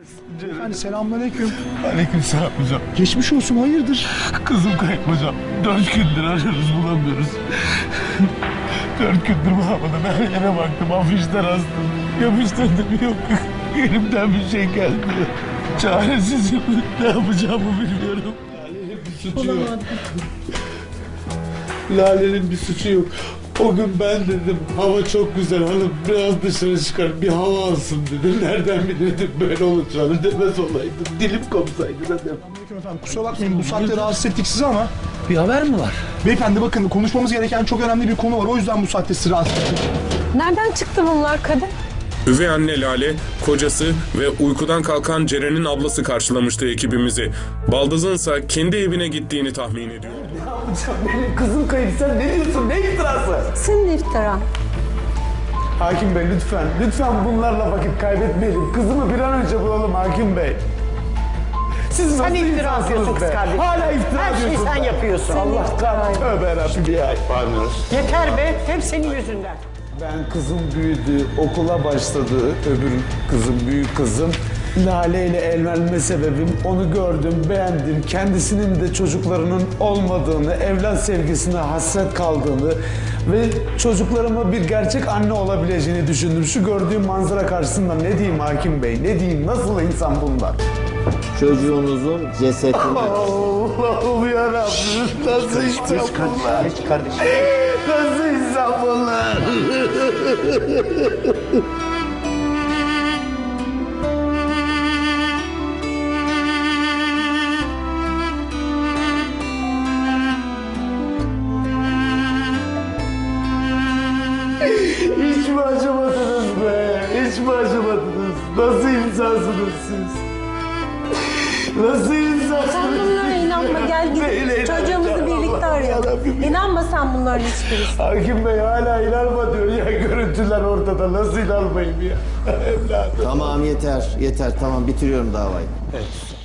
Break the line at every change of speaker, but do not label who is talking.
Hani selamünaleyküm.
Aleykümselam hocam.
Geçmiş olsun, hayırdır?
Kızım kayıp hocam. 4 gündür arıyoruz, bulamıyoruz. 4 gündür bulamadım. Her yere baktım. Afişler astım. Yapıştırdım, yok. Elimden bir şey gelmiyor. Çaresizim. Ne yapacağımı bilmiyorum. Lale'nin bir suçu yok. Lale'nin bir suçu yok. O gün ben dedim hava çok güzel hanım biraz dışarı çıkar bir hava alsın dedim. Nereden bilirdim böyle olacağını demez olaydım. Dilim kopsaydı dedim.
Aleyküm efendim, kusura bakmayın bu saatte rahatsız ettik sizi ama.
Bir haber mi var?
Beyefendi bakın, konuşmamız gereken çok önemli bir konu var. O yüzden bu saatte sizi rahatsız ettik.
Nereden çıktı bunlar Kadir?
Üvey anne Lale, kocası ve uykudan kalkan Ceren'in ablası karşılamıştı ekibimizi. Baldız'ınsa kendi evine gittiğini tahmin ediyor.
Benim kızım kayıp, sen ne diyorsun, ne iftirası?
Senin iftira.
Hakim Bey lütfen bunlarla vakit kaybetmeyelim. Kızımı bir an önce bulalım Hakim Bey. Siz
Sen
nasıl
iftira
insansınız
atıyorsun kız
be?
kardeşim.
Hala iftira
Her şeyi
atıyorsun
sen
be.
yapıyorsun.
Allah kahretsin. Tövbe yarabbim ya.
Yeter be, hep senin yüzünden.
Ben kızım büyüdü, okula başladı. Öbür kızım, büyük kızım. Lale ile evlenme sebebim onu gördüm, beğendim. Kendisinin de çocuklarının olmadığını, evlat sevgisine hasret kaldığını ve çocuklarıma bir gerçek anne olabileceğini düşündüm. Şu gördüğüm manzara karşısında ne diyeyim Hakim Bey, ne diyeyim, nasıl insan bunlar?
Çocuğunuzun cesetini...
Allah'ım yarabbim, nasıl insan bunlar?
Geç kardeşim.
Nasıl insan bunlar? Hiç mi acımadınız be? Hiç mi acımadınız? Nasıl insansınız siz? Nasıl insansınız?
Sen bunlara inanma, gel
Neyle
git. Çocuğumuzu
inanacağım?
birlikte
Allah'ım
arayalım.
yarabbim.
İnanma sen bunların hiçbirisi.
Hakim Bey hala inanma diyor ya, görüntüler ortada, nasıl inanmayayım ya evladım.
Tamam yeter, yeter. Tamam bitiriyorum davayı.
Evet.